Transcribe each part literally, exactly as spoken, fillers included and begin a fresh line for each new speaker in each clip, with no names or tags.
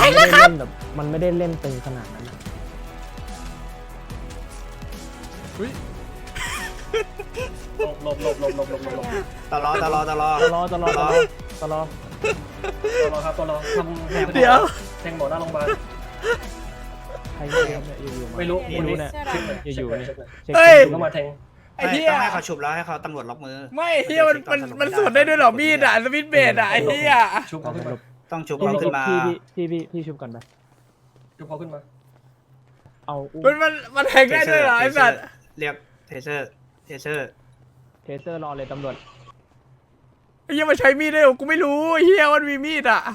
แล้วครับมันไม่ได้เล่นตึงขนาดนั้น
อุ้ย
หลบหลบหลบหลบหลบหลบหลบ
ตลอดตลอดตลอด
ตลอดตลอดตลอดตลอด
ตัวรอครับตัวรอทำแทง
เดี๋ยว
แทงหมอหน้าโรงพยาบาล
ใครเนี่ยอยู่ๆ
ไม่รู้
ไม่รู้เนี่ยอยู่ๆเนี่ย
เฮ้ย
ต้องมาแทง
ไอ้เหี้ย
ต้องให้เขาฉุบแล้วให้เขาตำรวจล็อกมือ
ไม่เฮียมันมันมันสวนได้ด้วยเหรอมีดอ่ะสวิตช์เบสอ่ะไอ้เฮีย
ชุบเขาขึ้นมา
ต้องฉุบเขาขึ้นมา
พี่พี่พี่พี่ชุบก่อนไป
ชุบเขาขึ้นมา
เอาอุ้
มันมันมันแทงได้ด้วยเหรอไอ้สัตว์
เรียกเทเซอร์เทเซอร์
เทเซอร์รอเลยตำรวจ
ไอ้เฮียมันใช้มีดได้เหรอกูไม่รู้ไอ้เฮียมันมีมีดอ่ะ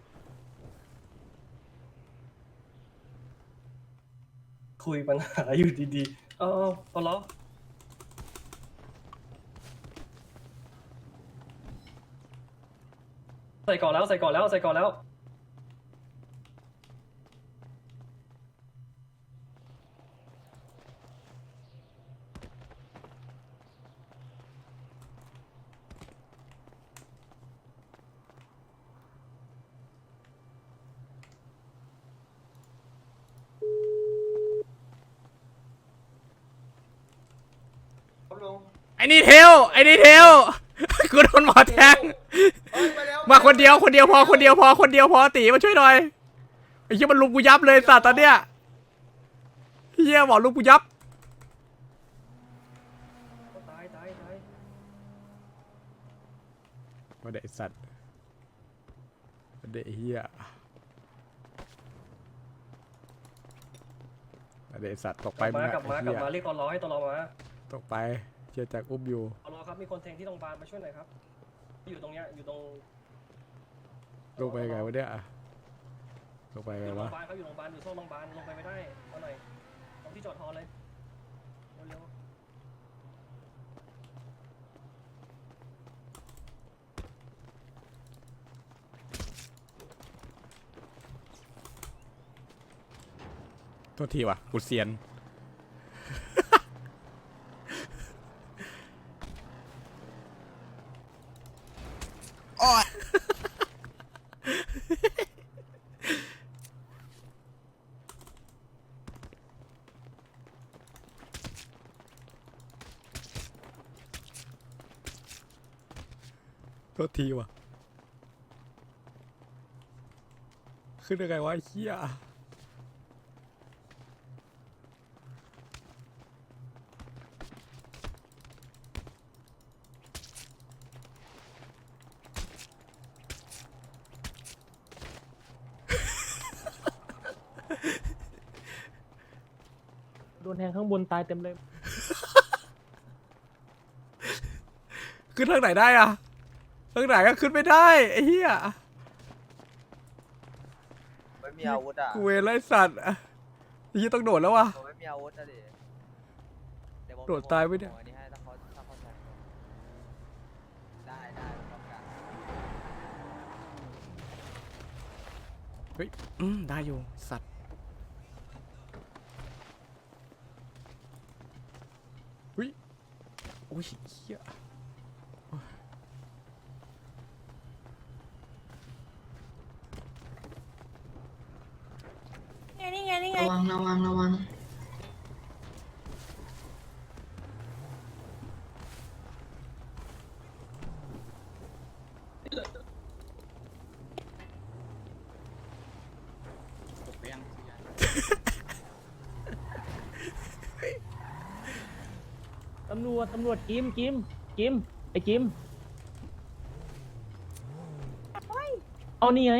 คุยปัญหาอยู่ดีๆเออตัวรอใส่ก่อนแล้วใส่ก่อนแล้วใส่ก่อนแล้ว
ไอ้นี่เทลไอ้นี่เทลกูโดนหมอแทงมาคนเดียวคนเดียวพอคนเดียวพอคนเดียวพอตีมาช่วยหน่อยไอ้เหี้ยมันลุมกูยับเลยสัตว์ตอนเนี้ยเหี้ยบอกลุมกูยับ
ตายตายตาย
มาเด็กสัตว์มาเด็กเหี้ยมาเด็กสัตว์ตกไป
กลับมากลับมากลับมา
เหี้ย
เรียกตัวรอให้ตัวรอมา
ตกไปเชียจากอุ้มอยู่
ตัวรอครับมีคนแทงที่โรงพยาบาลมาช่วยหน่อยครับอยู่ตรงเนี้ยอยู่ตรง
ลงไปไงวะเนี่ยลงไป
อ
ไง
ยู่โรง
วะ
พยาบาลเขาอยู่โรงพยาบาลอยู่โซนโรงพยาบาลลงไปไม่ได้เอาหน่อยตรงที่จอดฮอเลยเร็ว
โทษทีว่ะกูเซียนโทษทีว่ะขึ้นยังไงวะไอ้เหี้ย
โดนแทงข้างบนตายเต็มเลย
ขึ้นทางไหนได้อะทางไหนก็ขึ้นไม่ได้ไอ้เหี้ย
ไม่มีอาวุธอ่ะ
กูเวรไล่สัตว์ไอ้เหี้ยต้องโดดแล้ววะ
ผมไม่มีอาวุธนะดิเยวผม
โดดตายไว้เนี่ย
ผมอันนี้ให้ถ้าเขาถ้าเขาใช้ได้ได้พร้อมกัน
เฮ้ยอืมได้อยู่สัตว์เฮ้ยโอ้ยเหี้ย
นี่ไงนี่ไง
ระวังระวังระวัง
ตำรวจตำรวจกิมกิมกิมไอ้กิมเอานี่ไง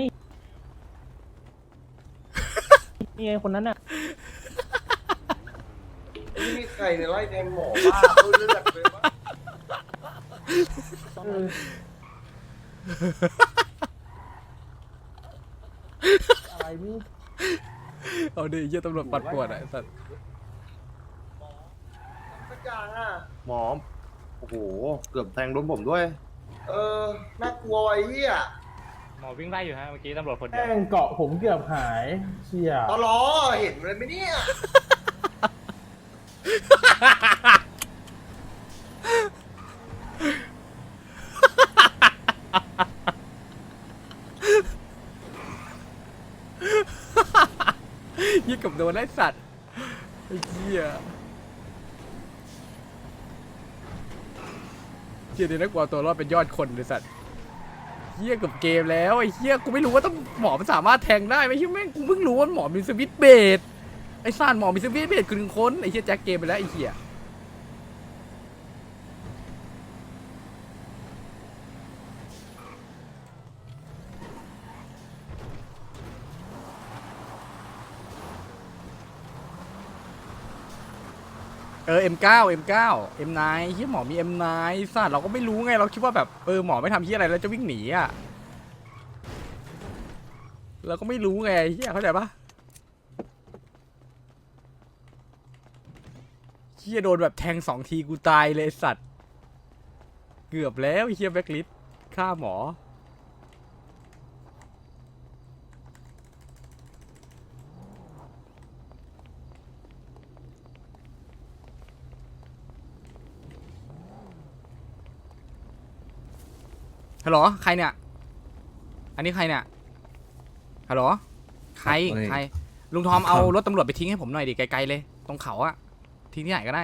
นี่ไงคนนั้นน่ะ
นี่มีใครเนี่ยไล่แทงหมอบ้าพูดเรื่องเลยว่า
อะไรมึง
เอาดิเหี้ยตำรวจปัดปวดอะไอ้สัตว์
สักอย่างอ่ะ
หมอโอ้โห เกือบแทงโดนผมด้วย
เออน่ากลัวไอ้เหี้ย
หมอวิ่งไล่อยู่ฮะเมื่อกี้ตำรวจคนเดียว
แม่งเกาะผมเกือบหายเชี่ย
ตลอเห็นเลยไหมเนี่ย
ยี่กับโดนไล่สัตว์ไอ้เหี้ยเหี้ยเดี๋ยวนักบอลตัวรอดเป็นยอดคนเลยสัตว์เหี้ยกับเกมแล้วไอ้เหี้ยกูไม่รู้ว่าต้องหมอมันสามารถแทงได้ไหมเหี้ยแม่งกูเพิ่งรู้ว่าหมอมีสวิตช์เบดไอ้ซ่านหมอมีสวิตช์เบดคือหนึ่งคนไอ้เหี้ยแจ็คเกมไปแล้วไอ้เหี้ยเออ เอ็ม เก้า เอ็ม เก้า เอ็ม ไนน์ เฮียหมอมี เอ็ม ไนน์ สัตว์เราก็ไม่รู้ไงเราคิดว่าแบบเออหมอไม่ทำเฮียอะไรแล้วจะวิ่งหนีอ่ะเราก็ไม่รู้ไงเฮียเข้าใจปะเฮียโดนแบบแทงสองทีกูตายเลยไอ้สัตว์เกือบแล้วเฮียแบ็คลิสฆ่าหมอฮัลโหลใครเนี่ยอันนี้ใครเนี่ยฮัลโหลใครใครลุงทอมเอารถตำรวจไปทิ้งให้ผมหน่อยดิไกลๆเลยตรงเขาอะทิ้งที่ไหนก็ได้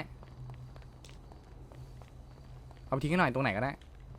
เอาไปทิ้งให้หน่อยตรงไหนก็ได้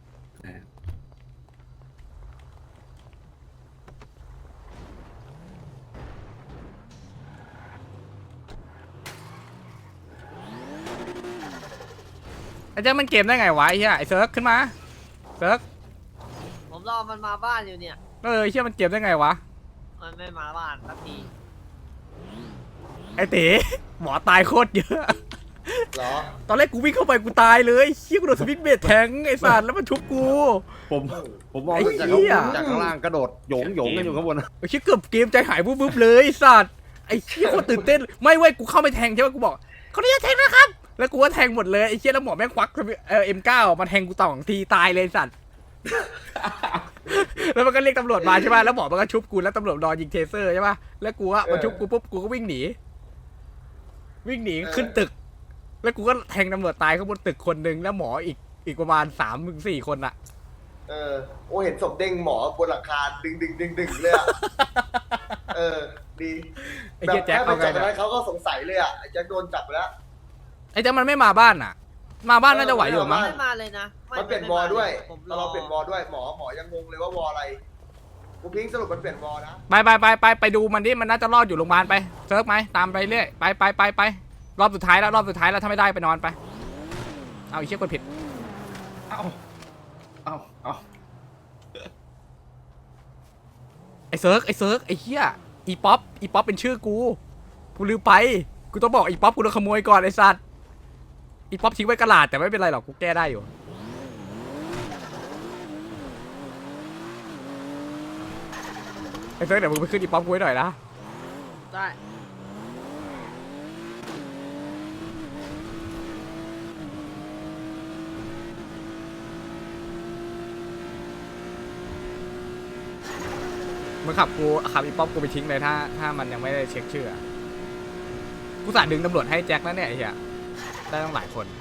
ไอ้เจ้ามันเกมได้ไงวะไอ้เหี้ยไอ้เซิร์ฟขึ้นมาเซิร์ฟ
ผมรอมันมาบ้านอยู่เนี่ย
เออไอ้เหี้ยมันเกมได้ไงวะ
มันไม่มาบ้านสักที
ไอ้เต๋หมอตายโคตรเยอะ
เหรอ
ตอนแรกกูวิ่งเข้าไปกูตายเลยเชี่ยกูโดนสวิตช์เบดแทงไอ้สัตว์แล้วมันชุบกู
ผมผมมอง
ไอ้
จาก
เหี้
ข้าง
ย
บนจากข้างล่างกระโดดโหยงโหยงกันอยู่ข้างบน
ไอ้เชี่ยเกือบเกมใจหายปุ๊บๆเลยไอ้สัตว์ไอ้เชี่ยโคตรตื่นเต้นไม่เว้ยกูเข้าไปแทงใช่ไหมกูบอกเขาเรียกแทงนะครับแล้วกูก็แทงหมดเลยไอ้เชี่ยแล้วหมอแม่งควักเออเอ็มเก้ามาแทงกูต่อสองทีตายเลยไอ้สัตว์ แล้วมันก็เรียกตำรวจมาใช่ป่ะแล้วหมอมันก็ชุบกูแล้วตำรวจรอยิงเทเซอร์ใช่ป่ะแล้วกูก็มาชุบกูปุ๊บกูก็วิ่งหนีวิ่งหนีขึ้นตึกแล้วกูก็แทงตำรวจตายข้างบนตึกคนหนึ่งแล้วหมออีกอีกประมาณสามถึงสี่คนอะ
เออโอ้เห็นศพเด้งหมอบนหลังคาดึงดึงดึงดึงเลยอ่ะ เออ ดี
ไอ้
แบบ
เหี้ยแจ็ค
แค่ไป
เอาไง
จับ
เนี่ย
นั้นเขาก็สงสัยเลยอ่ะไอ้แจ็คโดนจับไปแล้ว
ไอ้แจ็คมันไม่มาบ้านอะมาบ้านน่าจะไหวอยู่มั้ง
ไม่มาเลยนะไ
มันเปลี่ยนวอลด้วย
ผมร
เรา
อ
เปลี่ยนวอลด้วยหมอหมอยังงงเลยว่าวอลอะไรกูพิงค์สรุปมันเปลี่ยนวอลนะ
ไปไปไปไปไปดูมันดิมันน่าจะรอดอยู่โรงพยาบาลไปเซิร์ฟไหมตามไปเรื่อยไปไปไปไปรอบสุดท้ายแล้วรอบสุดท้ายแล้วถ้าไม่ได้ไปนอนไปเอาอีกเชี่ยกดผิด
เอาเอาเอา
ไอ้เซิร์ฟไอ้เซิร์ฟไอ้เหี้ยอีป๊อปอีป๊อปเป็นชื่อกูกูลืมไปกูต้องบอกอีป๊อปกูโดนขโมยก่อนไอ้สัตว์อีป๊อปทิ้งไว้กระดาษแต่ไม่เป็นไรหรอกกูแก้ได้อยู่ไอ้เซิร์ฟเดี๋ยวมึงไปขึ้นอีป๊อปกูไว้หน่อยนะ
ได้
มึงขับกูขับอีป๊อปกูไปทิ้งเลยถ้าถ้ามันยังไม่ได้เช็คชื่ออะกูสาดึงตำรวจให้แจ็คแล้วเนี่ยไอ้เหี้ยได้ตั้งหลายคน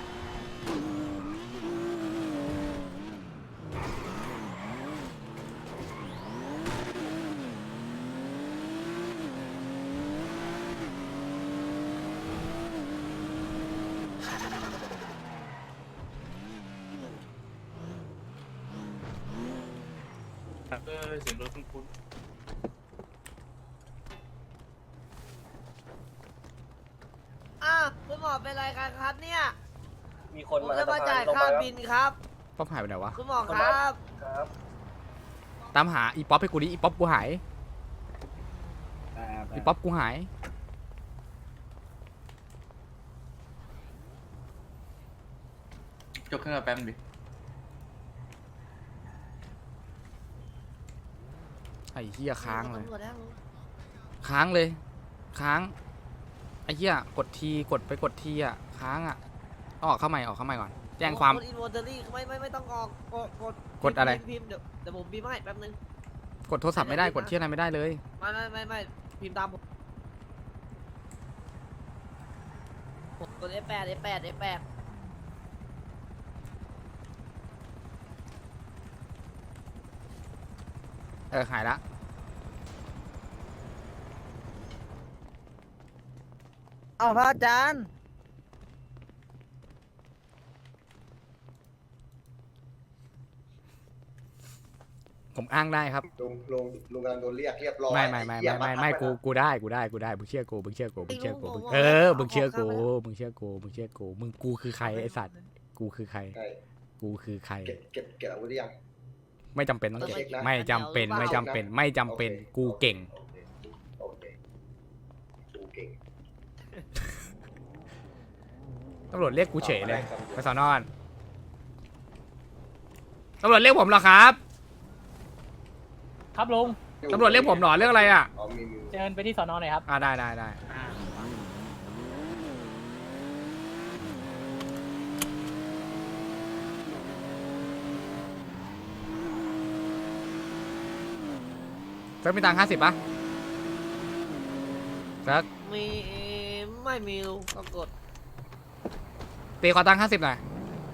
เออเสียงรถคุ้น
อ้าวคุณหมอเป็นไรกันครับเนี่ย
มีคน
ผม
มา
จะมาจ่าย
ลง
ค่า
แล้ว
บินครับ
ป๊อปหายไปไหนวะ
คุณหมอครับ
ครับ
ตามหาอีป๊อปให้กูดิอีป๊อปกูหายอีป๊อปกูหาย
จบเครื่องแป๊บนึงดิ
ไอ้เหี้ยค้างเลย
ตำรวจแล้ว
ค้างเลยค้างไอ้เหี้ยกดทีกดไปกดทีอ่ะค้างอ่ะต้องออกเข้าใหม่ออกเข้าใหม่ก่อนแจ้งความ
กดอินวอร์เตอรี่ไม่ไม่ไม่ต้องออกกดกด
กดอะไร
พิมพ์เดี๋ยวเดี๋ยวผมพิมพ์ให้แป๊บนึง
กดโทรศัพท์ไม่ได้กดเที่ยอะไรไม่ได้เลย
ไม่ไม่ไม่ไม่พิมพ์ตามผมผมกด เอฟ แปด เอฟ แปด เอฟ แปด
เออหายละ
อ้าวพระอาจารย์
ผมอ้างได้ครับ
ลุงลุงลุงกำลังโดนเรียกเรียบร้อย
ไม่ไม่ไม่
อ้เหี้
ไม่
ย
ไม่ไม่
บังคับ
กู
ว้นะ
กูได้กูได้กูได้มึงเชื่อกูมึงเชื่อกูมึงเชื่อกู
ไอ้ลุง
มึงเชื่อกู
ผม
เออ
เอา
มึงเชื่อกู
เอาเข้าไป
มึงเชื่อกูมึงเชื่อกูมึงกูคือใครไอสัตว์กูคือใคร
ใช่
กูคือใคร
เก็บเก็บเก็บอาวุธหรือยัง
ไม่จำเป็นต้องเก็บ
เช็คนะ
ไม่จำเป็นไม่จำเป็นไม่จำเป็นกูเก่ง
โอเคโอเคกูเก่ง
ตำรวจเรียกกูเฉยเลย
ครับ
ไปสอนอนตำรวจเรียกผมเหรอครับ
ครับลุง
ตำรวจเรียกผมเหรอเรื่องอะไรอ่ะ
อ๋อมีมี
เชิญไปที่สอนอหน่อยครับ
อ่าได้ได้ได้เซิร์ฟมีตังค์ห้าสิบป่ะเซิร์ฟ
มีไม่มีลุงก็กด
ตีขอตังค์ห้าสิบหน่อย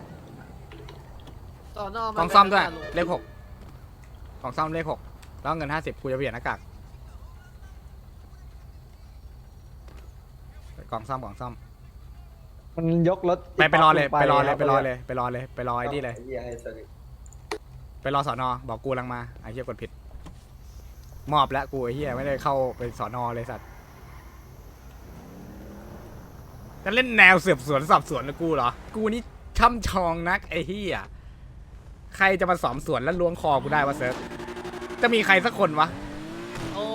ต่อนอก
กล่องซ่อมด้วยเลขหกกล่องซ่อมเลขหกแล้วเงินห้าสิบกูจะเปลี่ยนหน้ากากกล่องซ่อมกล่องซ่อม
มันยกรถ
ไปไปรอเลย
ปั๊บ
ไปรอเลย
คบ
ไปรอเลยไปรอเลยไปรอไอ้นี่เลย
ไอ้เหี้ยให้สนิท
ไปรอสอนอบอกกูกำลังมาไอ้เหี้ยกดผิด มอบแล้วกูไอ้เหี้ยไม่ได้เข้าไปสอนอเลยสัตว์จะเล่นแนวสืบสวนสอบสวนนะกูเหรอ กูนี่ช่ำชองนักไอ้เหี้ยใครจะมาสอบสวนแล้วล้วงคอกูได้วะเซิร์ฟจะมีใครสักคนวะ
โอ้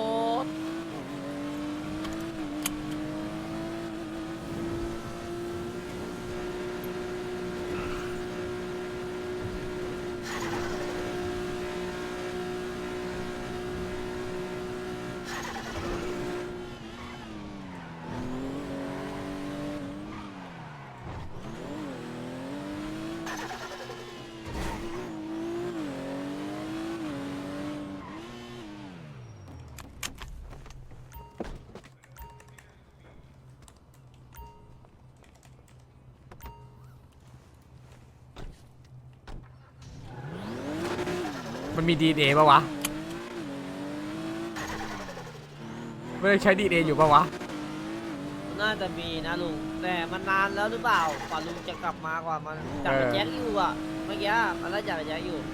มันมีดีเอปะวะไม่ได้ใช้ดีเออยู่ปะวะ
น่าจะมีนะลุงแต่มันนานแล้วหรือเปล่ากว่าลุงจะกลับมากว่ามันจับไปแจ็คอยู่อ่ะเมื่อกี้มันไล่จับไปแจ็คอยู่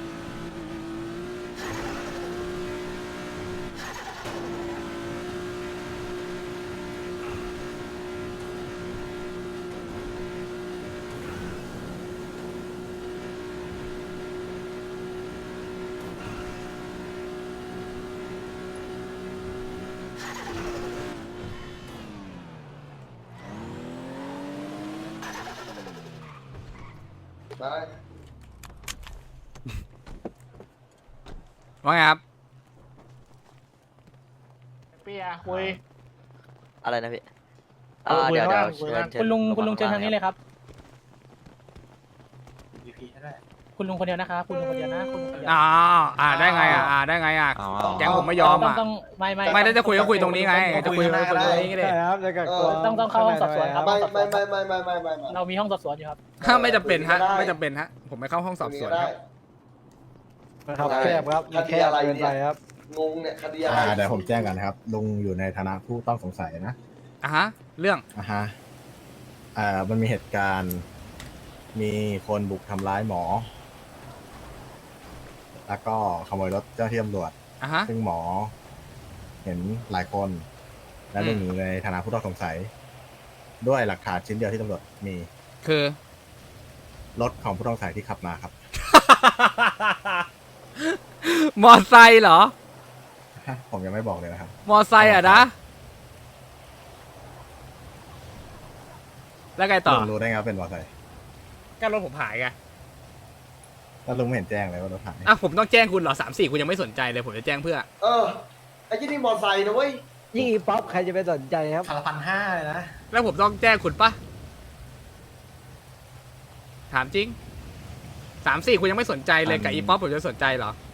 ไป
ว่าไงครับ
เปียคุย
อะไรนะพี่
เออ
อ่า
คุย
เดี๋ยว
ข้าง
เดี๋ยว
ล่าง
เชิญ
คุณลุงคุณลุงเชิญ
ข้
ทางนี้เลยครับ คุณลุงคนเดียวนะคะคุณลุงคนเดียวนะคุณลุงคนเดียว
อ๋ออ่าได้ไงอ่ะอ่าได้ไงอ่ะแก๊งผมไม่ยอม
ต้อง
อ่ะ
ต้องไม่ไม่
ไม่ได้จะคุยก็คุยตรงนี้ไงจะคุยก็คุยตรงนี้ก็ได้
ใช่ครับจะกักตัว
ต้องต้องเข้าห้องสอบสวนครับ
ไม่ไม่ไม่ไม่ไม่ไม่ไม่ไม่
เรามีห้องสอบสวนอยู่ครับ
ถ้าไม่จำเป็นฮะ
ได้
ไม่จำเป็นฮะผมไม่เข้าห้องสอบสวน
ได้
ครับ
นะครับแคบครับ
คดีอะไร
แคบเกิน
เนี่
ไป
ย
ครับ
งงเนี่ยคดีอะไร
อ่าเดี๋ยวผมแจ้งกันนะครับ ลุงอยู่ในฐานะผู้ต้องสงสัยนะ
อ่ะฮะเรื่อง
อ่าฮะอ่ามันมีเหตุการณ์ มีคนบุกทำร้ายหมอ แล้วก็ขโมยรถเจ้าหน้าที่ตำรวจ
อ่ะฮะ
ซึ่งหมอ เห็นหลายคน และ
อืม
ลุงอยู่ในฐานะผู้ต้องสงสัย ด้วยหลักฐานชิ้นเดียวที่ตำรวจมี
คือ
รถของผู้ต้องสงสัยที่ขับมาครับ
มอไซค์เหรอ
ฮะผมยังไม่บอกเลยนะครับ
มอไซค์อ่ะนะแล้วไงต่อ
ลุงรู้ได้ไงว่าเป็นมอเตอร์ไซค์
ก็รถผมหายไง
แล้วลุงไม่เห็นแจ้งเลยว่ารถหาย
อ่ะผมต้องแจ้งคุณเหรอสามสี่คุณยังไม่สนใจเลยผมจะแจ้งเพื่อ
เออไอ้ที่นี่มอไซค์นะเว้ย
ยิ่งอีป๊อปใครจะไปสนใจครับ
พันพันห้าเลยนะ
แล้วผมต้องแจ้งคุณปะถามจริงสามสี่คุณยังไม่สนใจเลยกับอีป๊อปผมจะสนใจเหรอ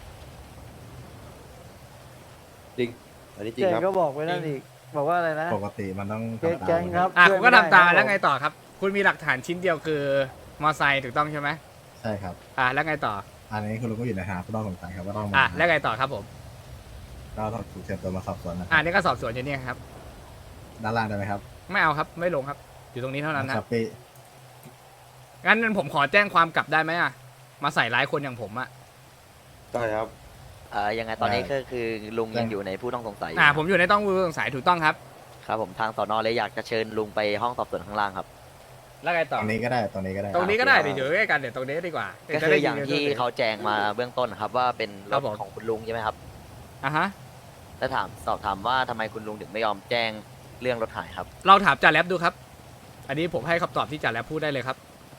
จริง อันนี้จริ
เจ
งครับ
ก็บอกไว้นั่นอีก บอกว่าอะไรนะ
ปกติมันต้อง
แก๊ง
ทำตาม
แก๊งครับ
อ่ะ
ช่
คุ
วย
ณก็
ไม่
ทำตาม
ด้
แล้วไง
ครับ
ต่อครับ คุณมีหลักฐานชิ้นเดียวคือมอไซค์ถูกต้องใช่ไหม
ใช่ครับ
อ่ะแล้วไงต่อ
อันนี้คุณลุงก็อยู่ในฐานะผู้ต้องสงสัยครับว่าต้องมา
อ่ะแล้วไงต่อครับผม
ก็ต้องถูกเชิญตัวมาสอบสวนนะค
อ่ะ
รับ
นี่ก็สอบสวนอยู่เนี่ยครับ
ด้านล่างได้ไหมครับ
ไม่เอาครับไม่ลงครับ อยู่ตรงนี้เท่านั้น
ค
นะ
รับพี่
งั้นผมขอแจ้งความกลับได้ไหมอ่ะมาใส่ร้ายคนอย่างผมอ่ะ
ได้ครับ
เอ่อยังไงตอนนี้ก็คือลุงยังอยู่ในผู้ต้องสงสัย
อ่าผมอยู่ในต้องผู้สงสัยถูกต้องครับ
ครับผมทางสอนอเลยอยากจะเชิญลุงไปห้องสอบสวนข้างล่างครับ
แล้วไง
ต
ต่อ
รงนี้ก็ได้ตรงนี้ก็ได้
ตรงนี้ก็ได้เดี๋ยวอยู่ใกล้กันเดี๋ยวตรงนี้ดีกว่า
ก็คืออย่างที่เขาแจ้งมาเบื้องต้นครับว่าเป็นร
ครับ
ถ
ผม
ของคุณลุงใช่ไหมครับ
อ่ะฮะ
แล้วถามสอบถามว่าทำไมคุณลุงถึงไม่ยอมแจ้งเรื่องรถหายครับ
เราถามจ่าแรปดูครับ อันนี้ผมให้คำตอบที่จ่าแรปพูดได้เลยครับ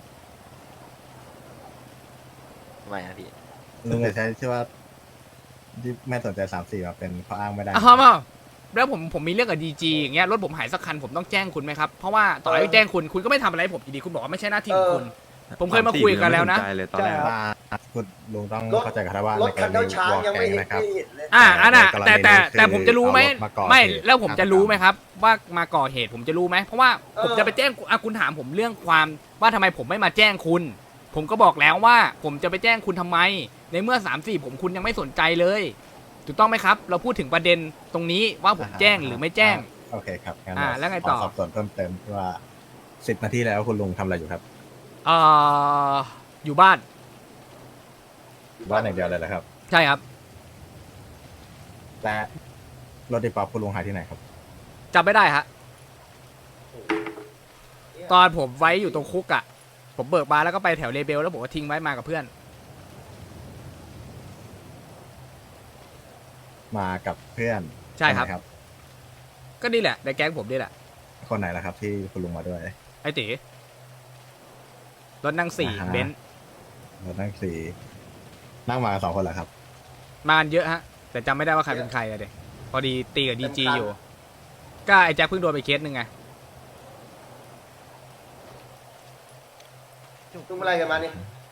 ทำไมครับพี่
ลุงจะใช้ชื่อว่าที่ไม่สนใจสามสี่มาเป็นข้ออ้างไม่ได้
อ้าวมาแล้วผมผมมีเรื่องกับดีจีอย่างเงี้ยรถผมหายสักคันผมต้องแจ้งคุณไหมครับเพราะว่าต่อให้แจ้งคุณคุณก็ไม่ทำอะไรให้ผมอยู่ดีคุณบอกว่าไม่ใช่หน้าที่ของคุณ ผมเคยมาคุยกันแล้วนะ
ใช่ครับ
ว่าคุณลุงต้อง
รถ
เข้าใจกันว่า
ร
ใน
ถ
ก
คั
ร
น
ณี
เจ้าช้าง
วอล
ยัง
แก
ไม่
ง
เห็น
นะครับ
ไม่เห็นเลย
อ่าอันน่ะ
ในกรณี
แต่แต่
นี้คือ
แต่ผมจะรู้ไหม
เอารถมาก่อ
ไม่
เหตุ
แล้วผมจะรู้ไหมครับ ว่ามาก่อเหตุผมจะรู้ไหมเพราะว่าผม
เออ
จะไปแจ้งอ่ะคุณถามผมเรื่องความว่าทำไมผมไม่มาแจ้งคุณ ผมก็บอกแล้วว่า ผมจะไปแจ้งคุณทำไม ในเมื่อสามสี่ผมคุณยังไม่สนใจเลยถูกต้องไหมครับ เราพูดถึงประเด็นตรงนี้ว่าผมแจ้งหรือไม่แจ้ง
โอเคครับงั้น
อ่าแล้วไงต่อ
ขสอบสวนเพิ่มเติมว่าสิบนาทีแล้วคุณลุงทำอะไรอยู่ครับ
เอ่ออยู่บ้าน
บ้านอย่างเดียวเลยเหรอครับ
ใช่ครับ
และรถดีป๊อปคุณลุงหายที่ไหนครับ
จำไม่ได้ฮะตอนผมไว้อยู่ตรงคุกอ่ะผมเบิกมาแล้วก็ไปแถวเลเบลแล้วผมก็ทิ้งไว้มากับเพื่อน
มากับเพื่อน
ใช่ครับ
นไหน
ก็นี่แหละในแก๊งผมนี่แหละ
คนไหนล่ะครับ ที่คุณลุงมาด้วย
ไอ้ตีรถนั่งสี่
อ่าฮะ
เบนซ์
รถนั่งสี่นั่งมากันสองคนเหรอครับ
มากันเยอะฮะ แต่จำไม่ได้ว่าใครเป็นใครอะเด็กพอดีตีกับดีจีอยู่ ก็ไอ้แจ็คเพิ่งโดนไปเคสหนึ่งไง
ลุงอะไรกันมานี่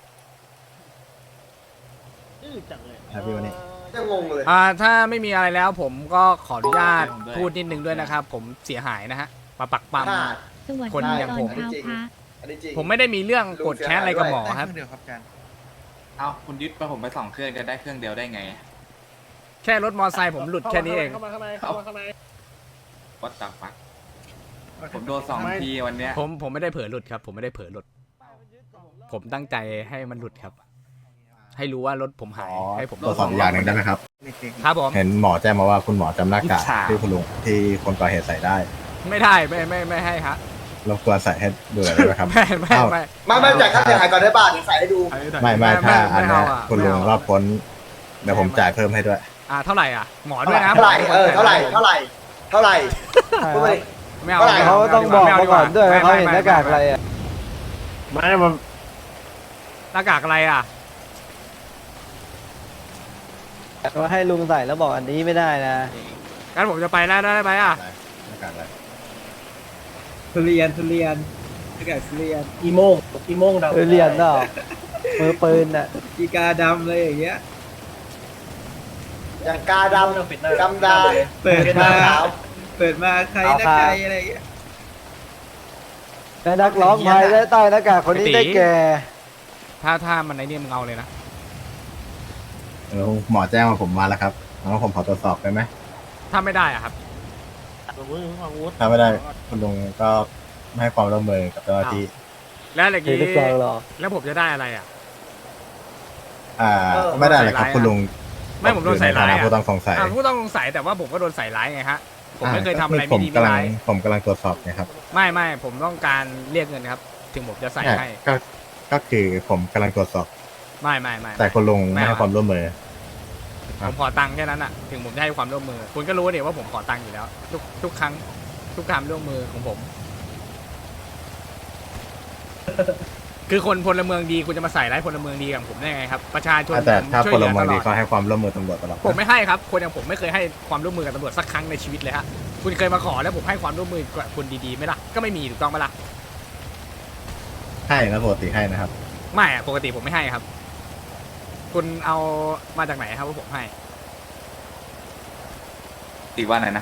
อื้อจังเลย
ครับพี่วันนี้
ยังงงเลย
อ่าถ้าไม่มีอะไรแล้วผมก็ขออนุญาตพูดนิดนึงด้วยนะครับ ผมเสียหายนะฮะมาปักปั๊ม
อ่า
สวัส
คน
ดี
อย่าง
ตอ
ผ
น
ม
เช้าพระ
อันนี้จริง
ผมไม่ได้มีเรื่องโกรธแค้นอะไรกับหมอครับ
เอาคุณยึดไปผมไปสองเครื่องกันได้เครื่องเดียวได้ไง
แค่รถมอไซค์ผมหลุดแค่นี้เอง
เข้ามาข้างในเข้ามาข้างใน
วัดตับปักผมโดนสองทีวันเนี้ย
ผมผมไม่ได้เผลอหลุดครับ ผมไม่ได้เผลอหลุด ผมตั้งใจให้มันหลุดครับ ให้รู้ว่ารถผมหายให้ผม
ตรวจสอบอีกอย่างหนึ่งได้ไหมครับ
ครับผม
เห็นหมอแจ้งมาว่าคุณหมอจำหน้ากากที่คุณลุงที่คนก่อเหตุใส่ได้
ไม่ได้ไม่ไม่ไม่ให้ครับ
รบกวนใส่ให้ดูหน่อยได้ไหมครับ
ไม่ไม่
เอ้า
ไม่
ไม่ไม่จ่ายค่าเสียหายก่อนได้ป่ะเดี๋ยวใส่ให้ดู
ไม่ไม่ถ้าอันเนี้ย
ไม่เอาอะ
คุณลุง
ไม่เอา
รอบพ้นเดี๋ยวผมจ่ายเพิ่มให้ด้วย
อ่าเท่าไหร่อ่ะหมอด้วยนะ
เท่าไหร่เออเท่าไหร่เท่าไหร่เท่าไหร่พูดมาดิ
ไม่เอา
เท่าไหร่
ไม่
เขา
ไม่
ต้องบอก
ไม่
มาก่อนด้วยว่าเขา
ไม่
เห็น
ไม่
หน้ากากอะไรอ่ะ
ไม่มัน
หน้ากากอะไรอ่ะ
ว่าให้ลุงใส่แล้วบอกอันนี้ไม่ได้นะ
งั้นผมจะไปแล้วได้ไหมอ่ะ
หน้ากากอะไร
ทุเรียนทุเรียนหน้ากากทุเรียน
อีโมงอีโมงดำ
ทุเรียนเนาะมือปืนอ่ะกีกาดำเลยอย่างเงี้ย
อย่างกาดำ
ปิดหน้า
ดำดา
เปิดมา
ขาว
เปิดมาใคร
เอา
นะ
ครับ
ใครอะไรอย่างเงี้ยและนักร้องไทยได้ใต้หน้ากากคนนี้ได้แก่
ถ้าถ้ามันในนี่มึงเอาเลยนะ
เออหมอแจ้งมาผมมาแล้วครับงั้นผมขอตรวจสอบได้ไหม
ถ้าไม่ได้อ่ะครับ
ถ้าไม่ได้คุณลุงก็ไม่ให้ความร่วมมือกับเจ้าหน้าที่
แล้วอย่าง
เห็น
นี้
หรือเปล่าหรอ
แล้วผมจะได้อะไรอ่ะ
อ่าไม่ได้เลยครับคุณลุง
ไม่ผมโดนใส่ร้าย
ในฐ
อ่ะ
ผู้ต้องสงสัย
อ่ะผู้ต้องสงสัยแต่ว่าผมก็โดนใส่ร้ายไงฮะผมไม่เคยทำอะไร
ผ
ไม่
ม
ดี
กำ
ไม่
ลัง
ร้าย
ผมกำลังตรวจสอบเนะครับ
ไม่ไม่ผมต้องการเรียกเงินครับ ถึงผมจะใส่ให้
ก็ก็คือผมกำลังตรวจสอบ
ไม่ไม่ไม่
แต่คุณลุง
ไม่
ไม่
เอา
ให้ความร่วมมือ
ผมขอตังค์แค่นั้นอ่ะ ถึงผมจะให้ความร่วมมือ คุณก็รู้เนี่ยว่าผมขอตังค์อยู่แล้ว ทุกทุกครั้งทุกการร่วมมือของผม คือคนพลเมืองดีคุณจะมาใส่ร้ายพลเมืองดีกับผมได้ไงครับประชาชน
แต่ถ้า
ช่วย
พ
เห
ล
ลือ
เมื
ต
อง
ล
ดี
อด
ก็ให้ความร่วมมือตำรวจตลอด
ผมไม่ให้ครับ คนอย่างผมไม่เคยให้ความร่วมมือกับตำรวจสักครั้งในชีวิตเลยฮะคุณเคยมาขอแล้วผมให้ความร่วมมือกับคนดีๆไหมล่ะก็ไม่มีถูกต้องไหมล่ะ
ให้นะปกติให้นะครับ
ไม่อะปกติผมไม่ให้ครับ คุณเอามาจากไหนครับว่าผมให้
ตีว่าไหนนะ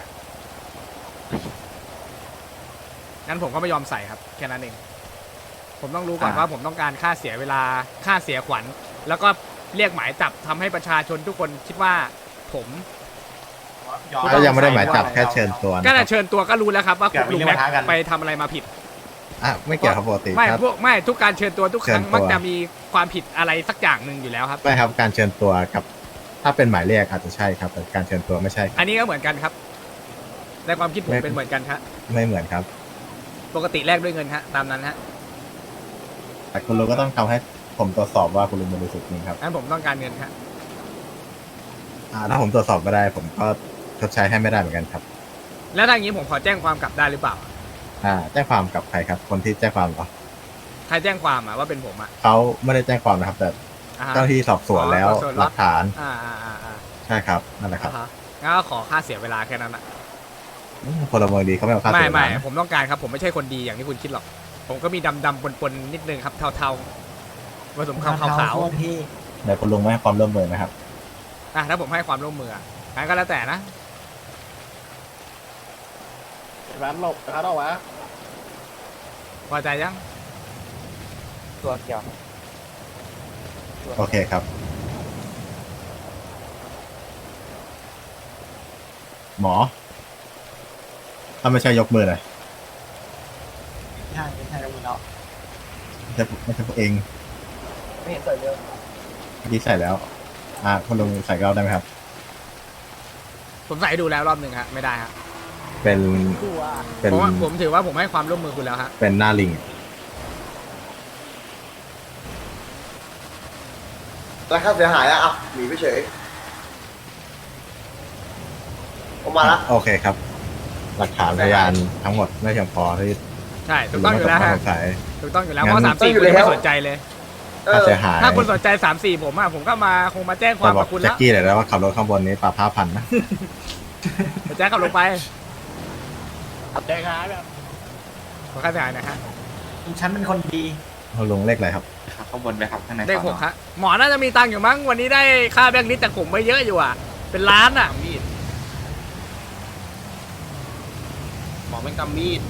งั้นผมก็ไม่ยอมใส่ครับแค่นั้นเอง ผมต้องรู้ก่อน
อ่า
ว่าผมต้องการค่าเสียเวลาค่าเสียขวัญ แล้วก็เรียกหมายจับทำให้ประชาชนทุกคนคิดว่าผม
ก็ยังไม่ได้หมายจับแค่เชิญตัว
ก็
นะค
แต่
รับ
เชิญตัวก็รู้แล้วครับว่าคุณลุงแม็กไปทำอะไรมาผิด
อ่ะไม่เกี่ยวครับปกติ
ไม่
ครับ
พวกไม่ทุกการเชิญตัวทุกครั้ง
เชิญตัว
มักจะมีความผิดอะไรสักอย่างหนึ่งอยู่แล้วครับ
ไม่ครับการเชิญตัวกับ ถ้าเป็นหมายเรียกอาจจะใช่ครับแต่การเชิญตัวไม่ใช่ครับ
อันนี้ก็เหมือนกันครับในความคิดผม
ไม่
เป็นเหมือนกันครับ
ไม่เหมือนครับ
ปกติแลกด้วยเงินฮะตามนั้นฮะ
แต่คุณลุงก็ต้องทำให้ผมตรวจสอบว่าคุณลุงบริสุทธิ์จริงครับ
งั้นผมต้องการเงินครับ
อ่าถ้าผมตรวจสอบไม่ได้ ผมก็ชดใช้ให้ไม่ได้เหมือนกันครับ
แล้วถ้าอย่างนี้ผมขอแจ้งความกลับได้หรือเปล่า
อ่าแจ้งความกับใครครับ คนที่แจ้งความเหรอ
ใครแจ้งความอะว่าเป็นผมอะ
เขาไม่ได้แจ้งความนะครับ แต่
อ่าฮะ
เจ้าหน้าที่สอบสวนแล้ว
อ๋อสอบสวน
หลักฐาน
อ่าอ่าอ่าอ่า
ใช่ครับนั่นแหละครับ
อ่าฮะงั้นก็ขอค่าเสียเวลาแค่นั้นอะ
พลเมืองดีเขาไม่เอาค่า
ไม่
เสียเว
ไม่
ลานะ
ผมต้องการครับ ผมไม่ใช่คนดีอย่างที่คุณคิดหรอก ผมก็มีดำดำปนปนๆนิดนึงครับเทาๆผสมขาวขาว
เดี๋ยวคุณลุงไม่ให้ความร่วมมือนะครับ
ๆอ่ะถ้าผมให้ความร่วมมืออะงั้นก็แล้วแต่นะ
ร้านหลบร้านเอาวะ
พอใจยัง
ตัวเกี่ยว
โอเคครับ หมอ ถ้าไม่ใช่ยกมือเลย
ใช่ไม่ใช่แล้วมึงเนาะ
ไม่ใช่ไม่ใช่พวกเอง
ไม่เห็นใส่เลย
เมื่อกี้ใส่แล้ว อ่าคุณลุงใส่ก็ได้ไหมครับ
ผมใส่ให้ดูแล้วรอบหนึ่งฮะไม่ได้ฮะ
เป็น เป็น
เพราะว่าผมถือว่าผมให้ความร่วมมือคุณแล้วฮะ
เป็นหน้าลิง
แล้วค่าเสียหายอะอ่ะหนีไปเฉยออกมาละ
โอเคครับ หลักฐานพยานทั้งหมดไม่เพียงพอที่
ใช่ถูกต้องอยู่แล้ว
คุณ
ฮะ
ลุงสงสัย
ถูกต้องอยู่แล้ว
งั้
เพ
น
ราะสามสี่คุณยังไม่สนใจเลย
เอ
ค่า
อ
เสียหาย
ถ้าคุณสนใจสามสี่ผมอะผมก็มาคงมาแจ้งควา
จะ
ม
บอ
กั
ก
บคุณ
แจ็
แล้
คว กี้เลยแล้วว่าขับรถข้างบนนี้ปรับห้าพันนะ
จะแจ้งขับลงไป
ได้ครับแบบ
ขอค่าเสียหายหนะฮะ
ฉันเป็นคนดี
คุณลุงเลขอะไรครับ
ครับข้างบนไปครับข้างใน
ได้
สอน
ห
อ
กฮะหมอน่าจะมีตังค์อยู่มั้งวันนี้ได้ค่าแบงค์ลิสต์จากผมไปเยอะอยู่อ่ะ เป็นล้านอ่ะ
หมอเป็นกำมีด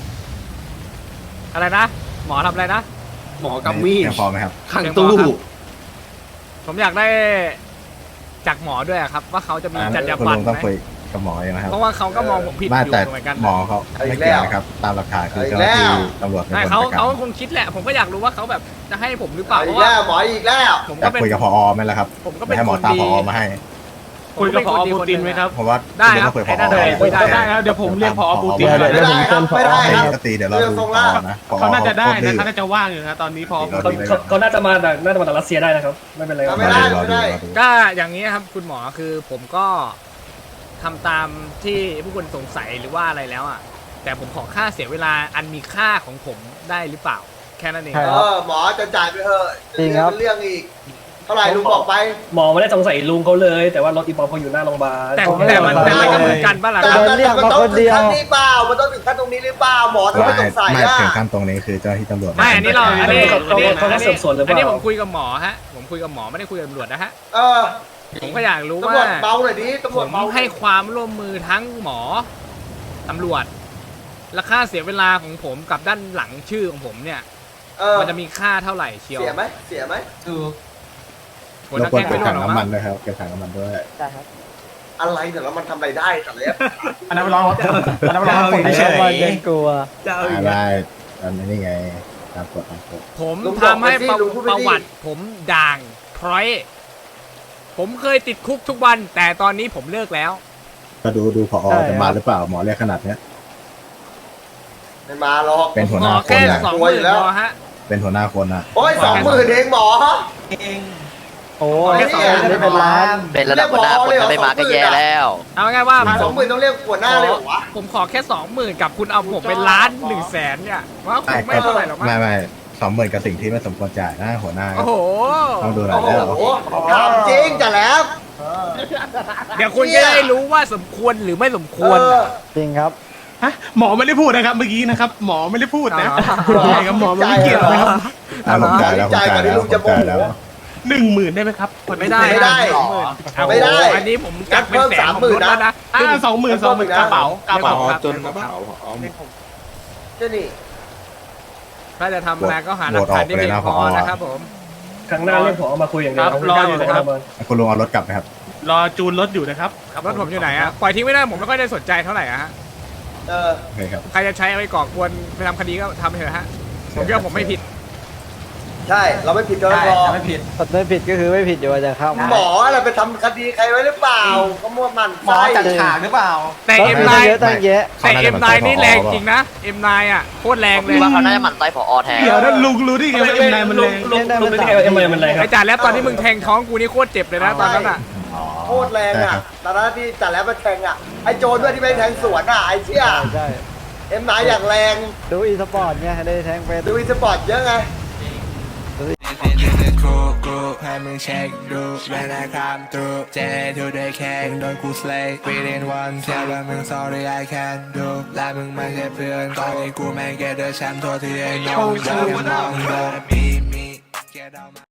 อะไรนะ หมอทำอะไรนะ
หมอกำมีด
เพียงพอไหมครับ
ขังตู้
ผมอยากได้จากหมอด้วยอะครับ ว่าเขาจะมีจรรยา
คุณ
บรร
ลุ
ณ
งต้อง
ไหม
คุยกับหมอเองนะครับ
เพราะว่าเขาก็มองผมผิด
ไม่
อยู่
แต่
เหมือนกัน
หมอเขาไม่เกี่ยวนะครับ ตามหลักฐานคือเจ้าหน้าที่ตำรวจเป็น
ใช่
คน
เขา
จัดกา
เขา
ร
คงคิดแหละ ผมก็อยากรู้ว่าเขาแบบจะให้ผมหรือเปล่า
เอา
เพ
อี
ราะ
ก
ว่า
แล้วหมออีกแล้ว
ผม
อยา
ก็
ก
เป็น
คุยกับพอไหมล่ะครับ
ผมก็
ไม่
เป็น
ให้หม
ค
อน ตาม
ดี
พอมาให้
คุยกับพอปูตินไหมครับ
เพราะว่า
ได้
คุณ
ค
ลุง
รับ
ต้องคุยกับพอ
ได้ได้
คุย
ได้ได้
ครับ
เดี๋ยวผมเรียกผอปูติน
เดี๋ยว
ไม่ได้ครับไม่ได้ครับ
ปกติเดี๋ยวเราดูพอนะพอ
เขาน่าจะได้
ดื้
นะ
อ
เขาน่าจะว่างอยู่นะตอนนี้พอ
เขาเขาเขาน่าจะมาจากน่าจะมาจากรัสเซียได้นะครับ ไม่เป็นไรครับ
ไม่ได้ไม่ได้
ก็อย่างนี้ครับคุณหมอคือผมก็ทำตามที่ผู้คนสงสัยหรือว่าอะไรแล้วอ่ะ แต่ผมขอค่าเสียเวลาอันมีค่าของผมได้หรือเปล่า แค่นั้นเอง
ใช่
เออหมอจะจ่ายไปเถอะ
จริงครับ
เรื่องอีก เท่าไหร่ลุงบอกไป
หมอไม่ได้สงสัยลุงเขาเลย แต่ว่ารถอีปอมเขาอยู่หน้าโรงพยาบาล
แต่แต่มันแต่มันก็เหมือนกันป่ะล่ะ
แต่
ครับ
แต่มันต้องถึงขั้นนี้เปล่ามันต้องถึงขั้นตรงนี้หรือเปล่าหมอทำไม
ไม่
สงสัย
ไม่
อ่ะ
ถึงขั้นตรงนี้คือเจ้าหน้าที่ตำรวจ
ไม่อันนี้เราอันนี้
เขา
อันนี้
เขา
อัน
เขา
นี้
สืบสวนหรือเป
อันนี้
ล่า
ผมคุยกับหมอฮะผมคุยกับหมอไม่ได้คุยกับตำรวจนะฮะ
เออ
ผมก็อยากรู้
ตำร
ว่าว
จเบาหน่อยดิตำร
ผ
วจ
ม
เบา
ให้ความร่วมมือทั้งหมอตำรวจและค่าเสียเวลาของผมกับด้านหลังชื่อของผมเนี่ย
เออ
มันจะมีค่าเท่าไหร่เชียว
เสียไหมเสียไหม
หัว
รบ
ตะ
กวน
แคง
เก็
ไม่
บ
ร่ว
ถั
ง
ง
หรอก
น้ำมั
มั้
น
ง
ด้วยครับเก็บถังน้ำมันด้วย
ได้ครับ
อะไรเดี๋ยวแล้วมันทำอะไรได้สัตว์เลี้ยง
อันนั้นร้องอันนั้นร้องคนเฉย
กลัว
อ่าได้อันนี้ไงตามกฎตามกฎ
ผม
ลุงบอก
ทำให้
ไปสิ
ประ
ลุงพูดไป
ประ
สิ
วัติผมด่างพร้อย ผมเคยติดคุกทุกวัน แต่ตอนนี้ผมเลิกแล้ว
ก็ดูดูพอจะมาหรือเปล่าหมอเรียกขนาดเนี้ย
ไม่มาหรอก
เป็นหัว
ข
ห
อ
น้าค
แค่
นนะ
สองหมื่นพอฮะ
เป็นหัวหน้าคนนะ
โอ้ยสองหมื่นเองหมอ
โอ้
ย
ไม่เป็นล้าน
เป็นระดับหัวหน้าคนถ้าไม่มาก็แย่แล้ว
เอาง่ายๆว่า
สองหมื่นต้องเรียกหัวหน้าเลยเหรอวะ
ผมขอแค่สองหมื่นกับคุณเอาผมเป็นล้านหนึ่งแสนเนี่ยว่าคงไม่เท่าไหร่หรอกมั้ง
ไม่ไม่สองหมื่นกับสิ่งที่ไม่สมควรจ่ายนะหัวหน้า
โอ้โห
ต้องดูหน่อ
โอ้
ย
โห
แล้ว
ถามจริงจ้ะแล้ว
เดี๋ยวคุณจะได้รู้ว่าสมควรหรือไม่สมควร
เออ
จริงครับฮะหมอไม่ได้พูดนะครับเมื่อกี้นะครับ หมอไม่ได้พูดนะ
อ๋อ
ใช่ครับหมอไม่เกี่ยวนะครับ
อ่ะผมจ่ายแล้วผมจ่ายแล้วผมจ่ายแล้ว
หนึ่งหมื่นได้ไหมครับ
ไม่ได้
ไม่ได้
สองหมื่น
ไม่ได้
อันนี้ผมจับเป็นแสนผมลดแล้วนะ
อ่าสองหมื่นสองหมื่นกระเป๋ากระเป๋า
จน
เจ้านี่
ถ้าจะทำอะไรก็หาหลักฐานที่เพียงพอนะครับผม
ครั้งหน้าเรียกผอมาคุยอย่างเดียว
ครับรออยู่นะครับ
คุณลุงเอารถกลับไหมครับ
รอจูนรถอยู่นะครับ
รถผมอยู่ไหนอะปล่อยทิ้งไม่ได้ผมไม่ค่อยได้สนใจเท่าไหร่อะฮะ
เออ
โอเคครับ
ใครจะใช้เอาไปก่อกวนไปทำคดีก็ทำไปเถอะฮะผมคิดว่าผมไม่ผิด
ใช่เราไม่ผิดก็พอ
ไม่ผิด
ไม่ผิดก็คือไม่ผิดอยู่จะเข้า
หมออะไรไปทำคดีใครไว้หรือเปล่าก็มั่วมัน
หมอจัดฉากหรือเปล่า
แต่
รถ
เอ็ม
มัน
ไน
เยอะตั้งแยะ
แต่เอ็มไนนี่แรงจริงนะเอ็มไนอ่ะโคตรแรงเลย
คิดว่าเขาน่าจะหมั่นไส้ผอแทน
เดี๋ยวนั้นลุงรู้ได้ไงว่าเอ็มไนมันแรง
ลุงลุงรู้ได้ไงว่าเอ็มไนมันแรงครั
ไอ้
บ
จ่าแล้วตอนที่มึงแทงท้องกูนี่โคตรเจ็บเลยนะตอนนั้นอ่ะ
โคตรแรงอ่ะตอนนั้นที่จัดแล้วมาแทงอ่ะไอ้โจรด้วยที่ไปแทงสวนอ่ะไอ้เชี่ย
ใช่
เอ็มนายอย่างแรง
ดูอีสปอร์ตไงได้แทงเป็น
ดูอีสปอร์ตเยอะไง
ให้มึงเช็คดูเวลาคำตูเจทูได้แข่งโดนกูสเลย์ within one แค่ว่ามึง sorry I can't do และมึงไม่ใช่เพื่อนตอนนี้กูแม่งแกเดอร์แชมป์ตัวที่ไอ้น้องเดินน้องเดินมีมีแกเดา